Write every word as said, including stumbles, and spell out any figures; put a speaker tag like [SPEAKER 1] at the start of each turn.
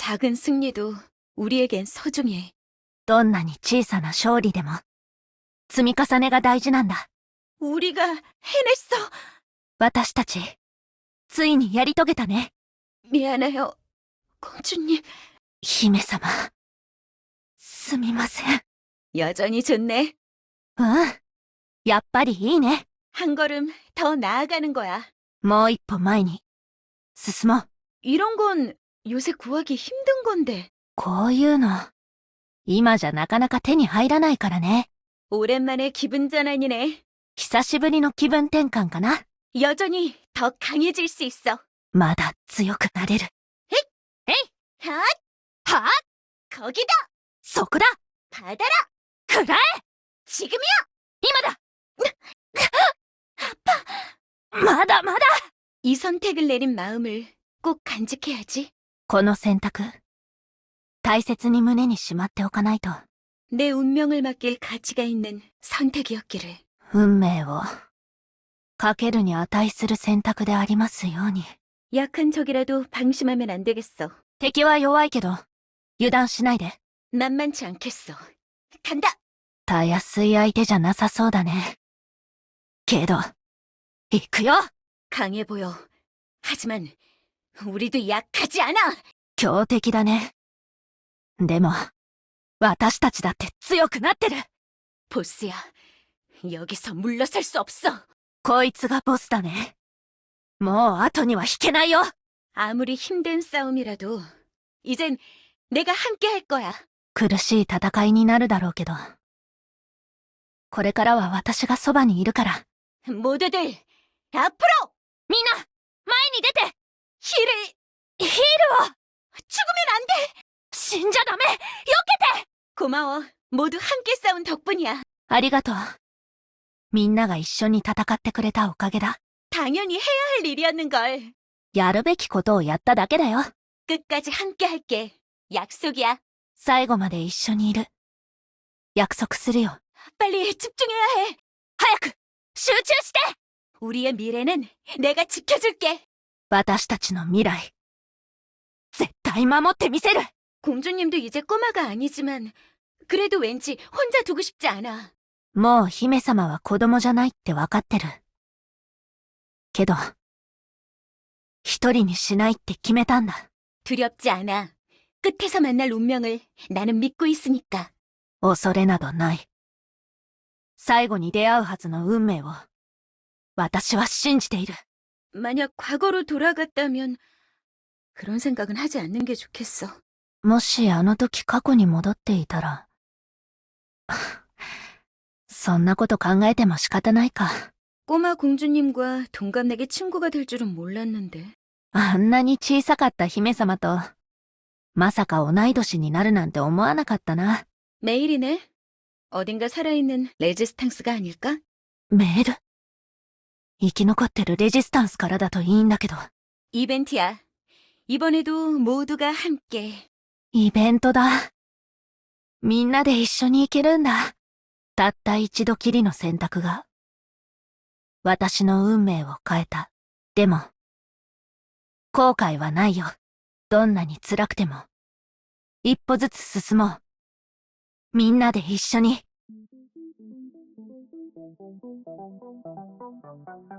[SPEAKER 1] 작은 승리도 우리에겐 소중해.
[SPEAKER 2] どんなに小さな勝利でも、積み重ねが大事なんだ。
[SPEAKER 1] 우리가 해냈어.
[SPEAKER 2] 私たち、ついにやり遂げたね。
[SPEAKER 1] 미안해요, 공주님.
[SPEAKER 2] 姫様、すみません。
[SPEAKER 1] 여전히 좋네.
[SPEAKER 2] うん。やっぱりいいね。
[SPEAKER 1] 한 걸음 더 나아가는 거야.
[SPEAKER 2] もう一歩前に、進もう。
[SPEAKER 1] 이런 건 요새 구하기 힘든 건데.
[SPEAKER 2] こういうの、今じゃなかなか手に入らないからね。
[SPEAKER 1] 오랜만에 기분 전환이네.
[SPEAKER 2] 久しぶりの気分転換かな。
[SPEAKER 1] 여전히 더 강해질 수 있어.
[SPEAKER 2] まだ強くなれる。
[SPEAKER 1] 핫!
[SPEAKER 2] はぁ
[SPEAKER 1] 거기다!
[SPEAKER 2] そこだ
[SPEAKER 1] 받아라!
[SPEAKER 2] くらえ
[SPEAKER 1] 지금이야!
[SPEAKER 2] 今だまだまだ
[SPEAKER 1] 이 선택을 내린 마음을 꼭 간직해야지.
[SPEAKER 2] この選択、大切に胸にしまっておかないと。
[SPEAKER 1] 내 운명을 맡길 가치가 있는 선택이었기를.
[SPEAKER 2] 運命を、かけるに値する選択でありますように。
[SPEAKER 1] 약한 적이라도 방심하면 안 되겠어.
[SPEAKER 2] 敵は弱いけど、油断しないで。
[SPEAKER 1] 만만치 않겠어. 간다!
[SPEAKER 2] たやすい相手じゃなさそうだね。けど、行くよ
[SPEAKER 1] 강해 보여. 하지만 우리도 약하지 않아.
[SPEAKER 2] 強敵だね。でも、私たちだって強くなってる。
[SPEAKER 1] 보스야, 여기서 물러설 수 없어.
[SPEAKER 2] こいつがボスだね。もう後には引けないよ。
[SPEAKER 1] 아무리 힘든 싸움이라도 이젠 내가 함께 할 거야.
[SPEAKER 2] 苦しい戦いになるだろうけど。これからは私がそばにいるから。
[SPEAKER 1] 모두들 앞으로!
[SPEAKER 2] みんな、前に出て
[SPEAKER 1] 힐을
[SPEAKER 2] ヒールを
[SPEAKER 1] 죽으면 안 돼!
[SPEAKER 2] 死んじゃダメよけて
[SPEAKER 1] 고마워. 모두 함께 싸운 덕분이야.
[SPEAKER 2] ありがとう。みんなが一緒に戦ってくれたおかげだ。
[SPEAKER 1] 당연히 해야 할 일이었는걸.
[SPEAKER 2] やるべきことをやっただけだよ。
[SPEAKER 1] 끝까지 함께 할게. 약속이야.
[SPEAKER 2] 最後まで一緒にいる。約束するよ。
[SPEAKER 1] 빨리 집중해야 해.
[SPEAKER 2] 早く集中して
[SPEAKER 1] 우리의 미래는 내가 지켜줄게.
[SPEAKER 2] 私たちの未来、絶対守ってみせる。
[SPEAKER 1] 공주님도 이제 꼬마가 아니지만 그래도 왠지 혼자 두고 싶지 않아.
[SPEAKER 2] もう姫様は子供じゃないってわかってる。けど、一人にしないって決めたんだ。
[SPEAKER 1] 두렵지 않아. 끝에서 만날 운명을 나는 믿고 있으니까.
[SPEAKER 2] 恐れなどない。最後に出会うはずの運命を、私は信じている。
[SPEAKER 1] 만약 과거로 돌아갔다면 그런 생각은 하지 않는 게 좋겠어.
[SPEAKER 2] もしあの時過去に戻っていたら、そんなこと考えても仕方ないか。
[SPEAKER 1] 꼬마 공주님과 동갑내기 친구가 될 줄은 몰랐는데.
[SPEAKER 2] あんなに小さかった姫様と、まさか同い年になるなんて思わなかったな。
[SPEAKER 1] 메일이네. 어딘가 살아있는 레지스탕스가 아닐까?
[SPEAKER 2] メール生き残ってるレジスタンスからだといいんだけど。
[SPEAKER 1] 이벤트야. 이번에도 모두가 함께.
[SPEAKER 2] イベントだ。みんなで一緒に行けるんだ。たった一度きりの選択が、私の運命を変えた。でも、後悔はないよ。どんなに辛くても。一歩ずつ進もう。みんなで一緒に。